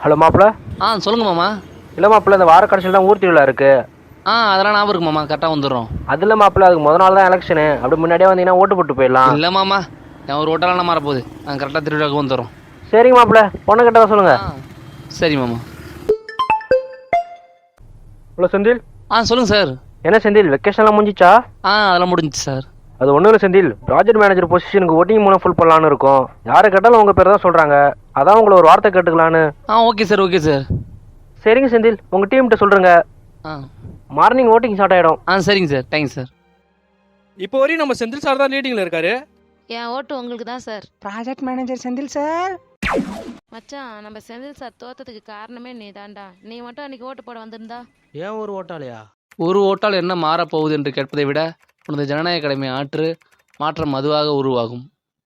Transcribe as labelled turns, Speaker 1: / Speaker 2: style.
Speaker 1: Hello மாப்பிள்ள.
Speaker 2: சொல்லுங்க மாமா.
Speaker 1: இல்லை மாப்பிள்ள, இந்த வார கடைசியில் தான் ஊர் திருவிழா இருக்கு.
Speaker 2: அதெல்லாம் ஞாபகம் இருக்கு மாமா, கரெக்டாக வந்துடுறோம்.
Speaker 1: அதில் மாப்பிள்ள, அதுக்கு முதல் நாள் தான் எலெக்ஷனு. அப்படி முன்னாடியே வந்தீங்கன்னா ஓட்டு போட்டு போயிடலாம்.
Speaker 2: இல்லை மாமா, என் ஒரு ஓட்டெல்லாம் மாறப்போகுது. கரெக்டாக திருவிழாவுக்கு வந்துடுறோம்.
Speaker 1: சரிங்க மாப்பிள்ள, பொண்ணு கிட்ட சொல்லுங்க.
Speaker 2: சரி மாமா.
Speaker 1: ஹலோ செந்தில்.
Speaker 2: சொல்லுங்க சார்.
Speaker 1: என்ன செந்தில், வெக்கேஷன்லாம் முடிஞ்சிச்சா?
Speaker 2: அதெல்லாம் முடிஞ்சிச்சு சார்.
Speaker 1: அது ஒன்றும் இல்லை செந்தில், ப்ராஜெக்ட் மேனேஜர் பொசிஷனுக்கு ஓட்டிங் மூலம் ஃபுல் பண்ணலான்னு இருக்கோம். யாரை கேட்டாலும் உங்கள் பேர் தான் சொல்கிறாங்க. அதான் உங்களை ஒரு வார்த்தை கேட்டுக்கலான்னு.
Speaker 2: Okay sir, okay sir.
Speaker 1: சரிங்க செந்தில், உங்கள் டீம்கிட்ட சொல்கிறேங்க. மார்னிங் ஓட்டிங் ஸ்டார்ட் ஆகிடும்.
Speaker 2: சரிங்க சார், தேங்க்ஸ் சார்.
Speaker 3: இப்போ வரையும் நம்ம செந்தில் சார் தான் லீடிங்ல இருக்காரு.
Speaker 4: என் ஓட்டு உங்களுக்கு தான் sir.
Speaker 5: Project manager Senthil sir.
Speaker 4: மச்சான், நம்ம செந்தில் சார் தோத்ததுக்கு காரணமே நீ தான்டா. நீ மட்டும் அன்னைக்கு ஓட்டு போட வந்திருந்தா.
Speaker 3: ஏன் ஒரு ஓட்டாலையா?
Speaker 2: ஒரு ஓட்டால் என்ன மாறப்போகுது என்று கேட்பதை விட உனது ஜனநாயக கடமை ஆற்று, மாற்றம் அதுவாக உருவாகும்.